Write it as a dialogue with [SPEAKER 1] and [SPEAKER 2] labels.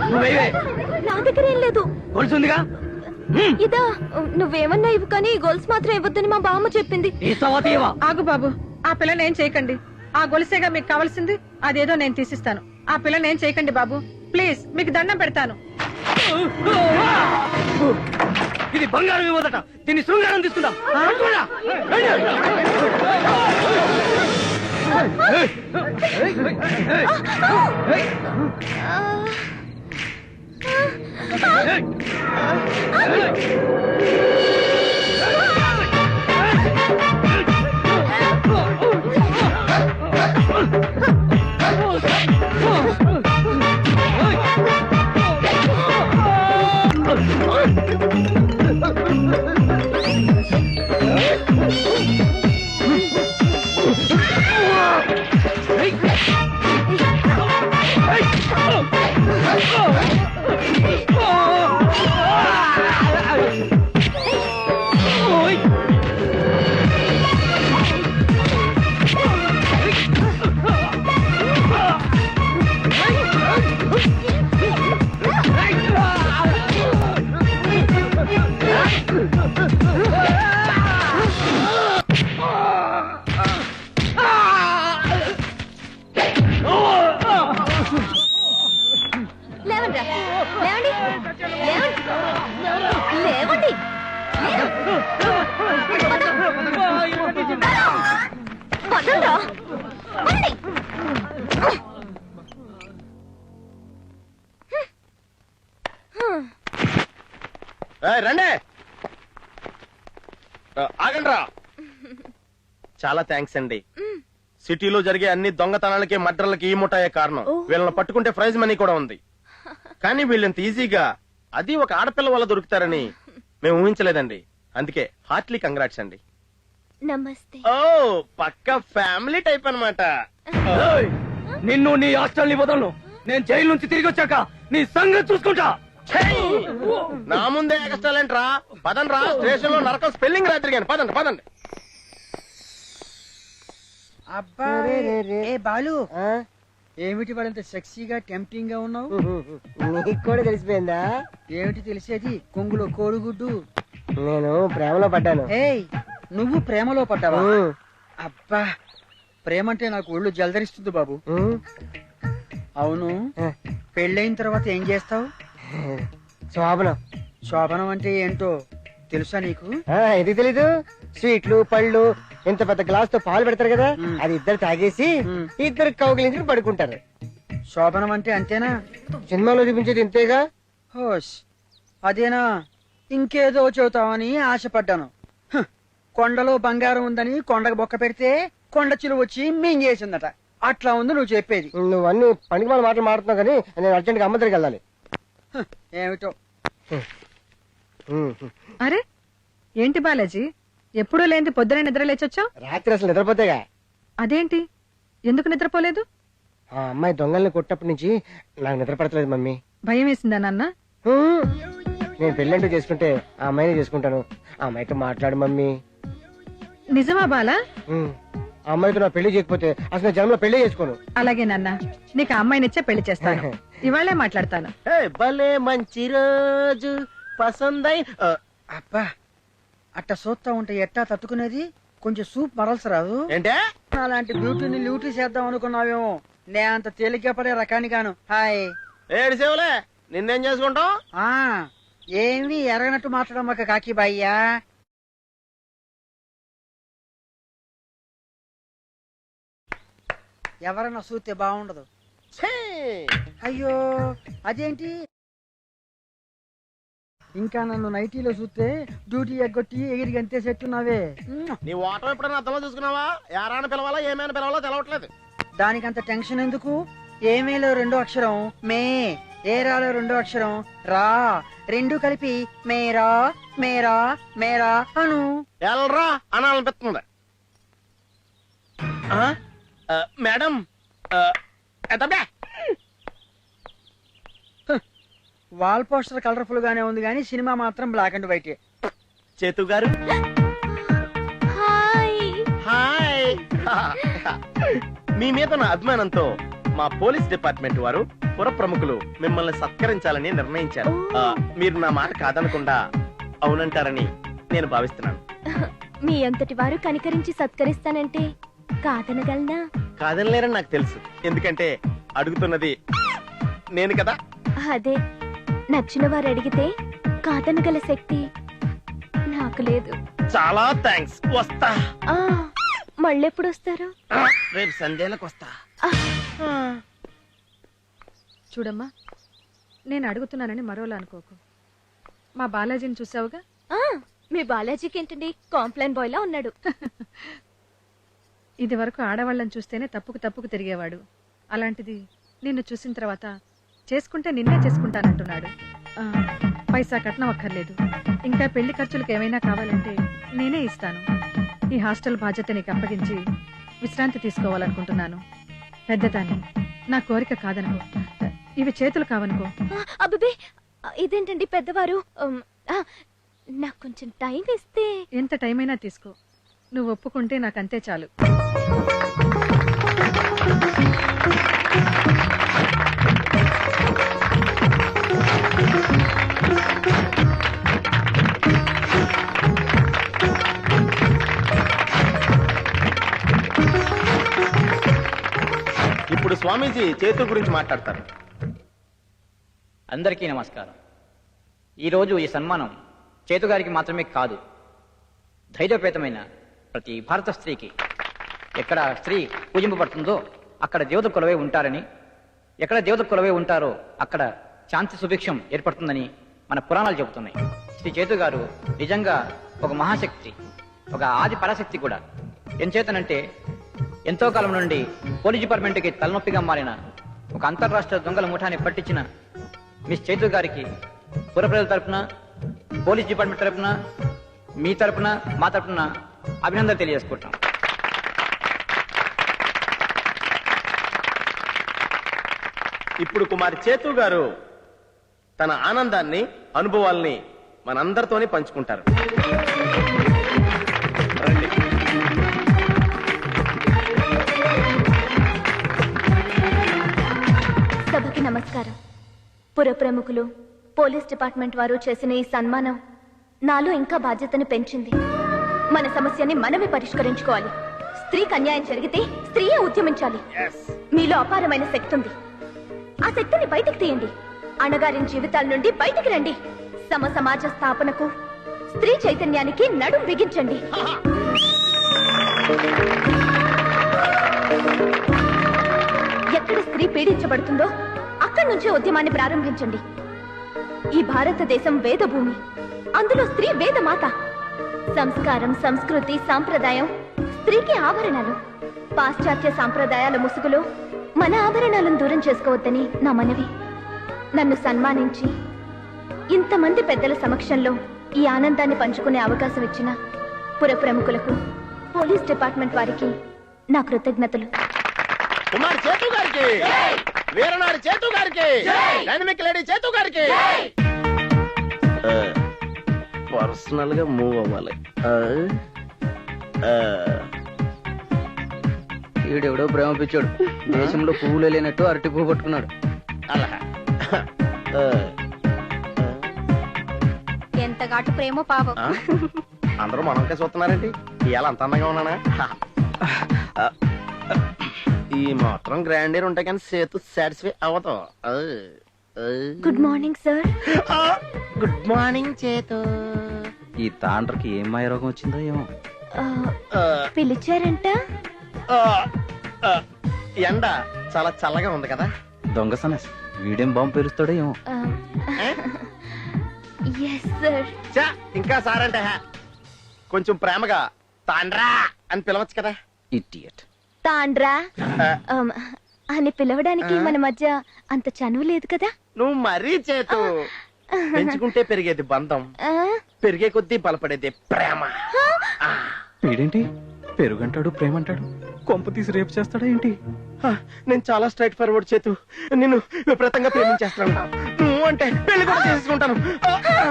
[SPEAKER 1] నా దగ్గర ఏం లేదు.
[SPEAKER 2] గొలుసుందిగా
[SPEAKER 1] ఇదా నువ్వేమన్నా ఇవ్వు కానీ గొలుసు మాత్రం ఇవ్వద్దని మా బామ్మ చెప్పింది.
[SPEAKER 3] ఆగు బాబు, ఆ పిల్లని ఏం చేయకండి. ఆ గొలుసేగా మీకు కావాల్సింది, అదేదో నేను తీసిస్తాను. ఆ పిల్లని ఏం చేయకండి బాబు, ప్లీజ్ మీకు దండం పెడతాను.
[SPEAKER 2] ఇది బంగారం ఇవ్వదట, దీన్ని శృంగారం తీసుకుందాం.
[SPEAKER 1] లేవండి లేవండి లేవండి.
[SPEAKER 4] రండి, ఆగండి రా. చాలా థ్యాంక్స్ అండి. సిటీలో జరిగే అన్ని దొంగతనాలకి మర్డర్లకి ఈ ముఠాయే కారణం. వీళ్ళని పట్టుకుంటే ప్రైజ్ మనీ కూడా ఉంది. కానీ వీళ్ళంత ఈజీగా అది ఒక ఆడపిల్ల వల్ల దొరుకుతారని మేము ఊహించలేదండి. అందుకే హార్ట్లీ కంగ్రాట్స్ అండి.
[SPEAKER 1] నమస్తే.
[SPEAKER 4] ఓ పక్క ఫ్యామిలీ టైప్ అన్నమాట.
[SPEAKER 2] నిన్ను నీ హాస్టల్ ని వదలను. నేను జైలు నుంచి తిరిగి వచ్చాక నీ సంగతి చూసుకుంటా.
[SPEAKER 4] నా ముందే ఎక్స్ట్రాలేంట్రా. పదండి రా, స్టేషన్ లో నరకం స్పెల్లింగ్ రాత్రి కానీ. పదండి పదండి.
[SPEAKER 5] అబ్బా ఏ బాలు, ఏమిటి వాడంత సెక్సీగా టెంప్టింగ్ గా ఉన్నావు?
[SPEAKER 6] నీకు కూడా తెలిసిపోయిందా?
[SPEAKER 5] ఏమిటి తెలిసేది? కొంగులో కోడిగుడ్డు.
[SPEAKER 6] నేను ప్రేమలో పడ్డాను.
[SPEAKER 5] ఏయ్, నువ్వు ప్రేమలో పడ్డావా? అబ్బా, ప్రేమ అంటే నాకు ఒళ్ళు జలదరిస్తుంది బాబు. అవును, పెళ్ళైన తర్వాత ఏం చేస్తావు?
[SPEAKER 6] శోభనం.
[SPEAKER 5] శోభనం అంటే ఏంటో తెలుసా నీకు?
[SPEAKER 6] ఇది తెలీదు. స్వీట్లు పళ్ళు ఇంత పెద్ద గ్లాస్ తో పాలు పెడతారు కదా, అది ఇద్దరు తాగేసి ఇద్దరు కౌగిలించి పడుకుంటారు.
[SPEAKER 5] శోభనం అంటే అంతేనా?
[SPEAKER 6] సినిమాలో చూపించేది ఇంతేగా.
[SPEAKER 5] హోష్, అదేనా? ఇంకేదో చెబుతావని ఆశపడ్డాను. కొండలో బంగారం ఉందని కొండకు బొక్క పెడితే కొండ చిలువ వచ్చి మింగేసిందట. అట్లా ఉంది నువ్వు చెప్పేది.
[SPEAKER 6] నువ్వు అన్ని పనికి వాళ్ళ మాటలు మాడుతున్నావు కానీ నేను అర్జెంట్ గా అమ్మ దగ్గరికి వెళ్ళాలి.
[SPEAKER 5] ఏమిటో.
[SPEAKER 3] అరే ఏంటి బాలాజీ, ఎప్పుడూ లేని పొద్దున నిద్ర లేచొచ్చావు?
[SPEAKER 6] రాత్రి అసలు నిద్రపోతేగా.
[SPEAKER 3] అదేంటి, ఎందుకు నిద్రపోలేదు?
[SPEAKER 6] ఆ అమ్మాయి దొంగల్ని కొట్టప్పటి నుంచి నాకు నిద్ర పడతలేదు మమ్మీ.
[SPEAKER 3] భయం వేసిందా నాన్న?
[SPEAKER 6] నేను పెళ్ళంటూ చేసుకుంటే ఆ అమ్మాయిని చేసుకుంటాను. ఆ అమ్మాయితో మాట్లాడు మమ్మీ.
[SPEAKER 3] నిజమా బాలా?
[SPEAKER 6] ఆ అమ్మాయితో నా పెళ్లి చేయకపోతే అసలు జన్మలో పెళ్లి చేసుకోను.
[SPEAKER 3] అలాగే నాన్న, నీకు ఆ అమ్మాయినిచ్చే పెళ్లి చేస్తాను. ఇవాళే మాట్లాడతాను.
[SPEAKER 4] భలే మంచి రోజు పసందై.
[SPEAKER 5] అబ్బా, అట్ట సూత్తా ఉంటే ఎట్టా తట్టుకునేది? కొంచెం సూప్ మరల్సరాదు?
[SPEAKER 4] ఏంటే
[SPEAKER 5] అలాంటి బ్యూటీని ల్యూటీ చేద్దాం అనుకున్నావేమో. నే అంత తేలిగ్గా పడే రకాన్ని గాను. హాయ్.
[SPEAKER 4] ఏడు సేవలే, నిన్నేం చేసుకుంటావు?
[SPEAKER 5] ఏమి ఎరగనట్టు మాట్లాడమ్మక కాకి బాయ్యా. ఎవరన్నా చూస్తే బాగుండదు. అయ్యో అదేంటి, ఇంకా నన్ను నైటీలో చూస్తే డ్యూటీ ఎగ్గొట్టి ఎగిరి గంతే చెట్టున్నావే.
[SPEAKER 4] నీ ఓటం ఎప్పుడైనా అర్థంలో చూసుకున్నావా? యారాని పిలవాలా ఏమైనా పిలవాలో తెలవట్లేదు.
[SPEAKER 5] దానికంత టెన్షన్ ఎందుకు? ఏమేలో రెండో అక్షరం మే, ఏరాలో రెండో అక్షరం రా, రెండు కలిపి మేరా మేరా మేరా అను.
[SPEAKER 4] ఎల్రా అనాలనిపిస్తుంది. మేడం
[SPEAKER 5] వాల్ పోస్టర్ కలర్ఫుల్ గానే ఉంది గానీ సినిమా మాత్రం బ్లాక్ అండ్ వైట్.
[SPEAKER 4] చేతు గారు
[SPEAKER 1] హాయ్.
[SPEAKER 4] హాయ్. మీ మీద నా అభిమానంతో మా పోలీస్ డిపార్ట్మెంట్ వారు పుర ప్రముఖులు మిమ్మల్ని సత్కరించాలని నిర్ణయించారు. మీరు నా మాట కాదనకుండా అవునంటారని నేను భావిస్తున్నాను.
[SPEAKER 1] మీ అంతటి వారు కనికరించి సత్కరిస్తానంటే కాదనగలనా?
[SPEAKER 4] కాదనలేరని నాకు తెలుసు, ఎందుకంటే అడుగుతున్నది నేను కదా.
[SPEAKER 1] అదే, నచ్చిన వారు అడిగితే కాదనగల శక్తి నాకు లేదు.
[SPEAKER 4] చాలా థ్యాంక్స్. వస్తా.
[SPEAKER 1] ఆ, మళ్ళెప్పుడు వస్తారు?
[SPEAKER 4] రేపు సంధ్యలకు వస్తా.
[SPEAKER 3] చూడమ్మా, నేను అడుగుతున్నానని మరోలా అనుకోకు. మా బాలాజీని చూసావుగా?
[SPEAKER 1] ఆ, మీ బాలాజీకి ఏంటండి కాంప్లైన్ బాయ్ లా ఉన్నాడు.
[SPEAKER 3] ఇది వరకు ఆడవాళ్ళని చూస్తేనే తప్పుకు తిరిగేవాడు. అలాంటిది నిన్ను చూసిన తర్వాత చేసుకుంటే నిన్నే చేసుకుంటానంటున్నాడు. పైసా కట్నం అక్కర్లేదు. ఇంకా పెళ్లి ఖర్చులకు ఏమైనా కావాలంటే నేనే ఇస్తాను. ఈ హాస్టల్ బాధ్యత నీకు అప్పగించి విశ్రాంతి తీసుకోవాలనుకుంటున్నాను. పెద్దదాన్ని, నా కోరిక కాదనుకో. ఇవి చేతులు కావనుకో.
[SPEAKER 1] అబ్బే, ఇదేంటండి పెద్దవారు? నాకు కొంచెం టైం ఇస్తే.
[SPEAKER 3] ఎంత టైం అయినా తీసుకో. నువ్వు ఒప్పుకుంటే నాకంతే చాలు.
[SPEAKER 4] ఇప్పుడు స్వామీజీ చేతు గురించి మాట్లాడతారు.
[SPEAKER 7] అందరికీ నమస్కారం. ఈరోజు ఈ సన్మానం చేతుగారికి మాత్రమే కాదు, ధైర్యపేతమైన ప్రతి భారత స్త్రీకి. ఎక్కడ స్త్రీ పూజింపబడుతుందో అక్కడ దేవత కొలవై ఉంటారని, ఎక్కడ దేవత కొలవై ఉంటారో అక్కడ శాంతి సుభిక్షం ఏర్పడుతుందని మన పురాణాలు చెబుతున్నాయి. శ్రీ చేతు గారు నిజంగా ఒక మహాశక్తి, ఒక ఆది పరాశక్తి కూడా. ఎంచేతనంటే ఎంతో కాలం నుండి పోలీస్ డిపార్ట్మెంట్కి తలనొప్పిగా మారిన ఒక అంతర్రాష్ట్ర దొంగల ముఠాన్ని పట్టించిన మిస్ చేతు గారికి పుర ప్రజల తరపున, పోలీస్ డిపార్ట్మెంట్ తరపున, మీ తరపున, మా తరపున అభినందనలు తెలియజేసుకుంటాం.
[SPEAKER 4] ఇప్పుడు కుమారి చేతు గారు తన ఆనందాన్ని, అనుభవాల్ని మనందరితోనే పంచుకుంటారు. రండి.
[SPEAKER 1] సభకి నమస్కారం. పుర ప్రముఖులు, పోలీస్ డిపార్ట్మెంట్ వారు చేసిన ఈ సన్మానం నాలో ఇంకా బాధ్యతను పెంచింది. మన సమస్యని మనమే పరిష్కరించుకోవాలి. స్త్రీకి అన్యాయం జరిగితే స్త్రీయే ఉద్యమించాలి. మీలో అపారమైన శక్తి ఉంది. ఆ శక్తిని బయటికి తీయండి. అణగారిన జీవితాల నుండి బయటికి రండి. సమాజ స్థాపనకు, స్త్రీ చైతన్యానికి నడుం బిగించండి. ఎక్కడ స్త్రీ పీడించబడుతుందో అక్కడి నుంచే ఉద్యమాన్ని ప్రారంభించండి. ఈ భారతదేశం వేదభూమి, అందులో స్త్రీ వేదమాత. సంస్కారం, సంస్కృతి, సాంప్రదాయం స్త్రీకి ఆభరణాలు. పాశ్చాత్య సాంప్రదాయాల ముసుగులో మన ఆభరణాలను దూరం చేసుకోవద్దని నా మనవి. నన్ను సన్మానించి ఇంతమంది పెద్దల సమక్షంలో ఈ ఆనందాన్ని పంచుకునే అవకాశం ఇచ్చిన పుర ప్రముఖులకు, పోలీస్ డిపార్ట్మెంట్ వారికి నా కృతజ్ఞతలు.
[SPEAKER 4] కుమార్ చేతు గారికి, వీరనారి చేతు గారికి, డైనమిక్ లేడీ చేతు గారికి. పర్సనల్ గా మూవ్ అవ్వాలి.
[SPEAKER 2] ఈడెవడో ప్రేమ పిచ్చాడు. దేశంలో పువ్వులే లేనట్టు అరటి పువ్వు పట్టుకున్నాడు.
[SPEAKER 4] అలా
[SPEAKER 1] ఎంత ఘాటు ప్రేమో పాపం.
[SPEAKER 4] అందరూ మనకే చూస్తున్నారండి. ఇవాళ అంత అందంగా ఉన్నానా? ఈ మాత్రం గ్రాండీర్ ఉంటే కానీ సేతు సాటిస్ఫై అవ్వదు.
[SPEAKER 1] Good morning sir.
[SPEAKER 4] Good morning చేతు.
[SPEAKER 2] ఈ తాండ్రకి ఏం మాయ రోగం వచ్చిందో ఏమో.
[SPEAKER 1] పిలిచారంట.
[SPEAKER 4] ఎండ చాలా చల్లగా ఉంది కదా.
[SPEAKER 2] దొంగ సనస్ వీడేం బాంబు పేరుస్తాడో ఏమో.
[SPEAKER 1] Yes sir.
[SPEAKER 4] ఇంకా సారంటే కొంచెం ప్రేమగా తాండ్రా అని పిలవచ్చు కదా.
[SPEAKER 2] ఇడియట్.
[SPEAKER 1] తాండ్రా అని పిలవడానికి మన మధ్య అంత చనువు లేదు కదా.
[SPEAKER 4] నువ్వు మరీ చేతు. పెంచుకుంటే పెరిగేది బంధం, పెరిగే కొద్దీ బలపడేది ప్రేమ.
[SPEAKER 2] వీడేంటి పెరుగంటాడు, ప్రేమంటాడు. కొంప తీసి రేపు చేస్తాడా ఏంటి?
[SPEAKER 4] నేను చాలా స్ట్రైట్ ఫార్వర్డ్ చేతు. నిన్ను విపరీతంగా ప్రేమించేస్తాను. నువ్వు అంటే పెళ్లి కూడా చేసుకుంటాను.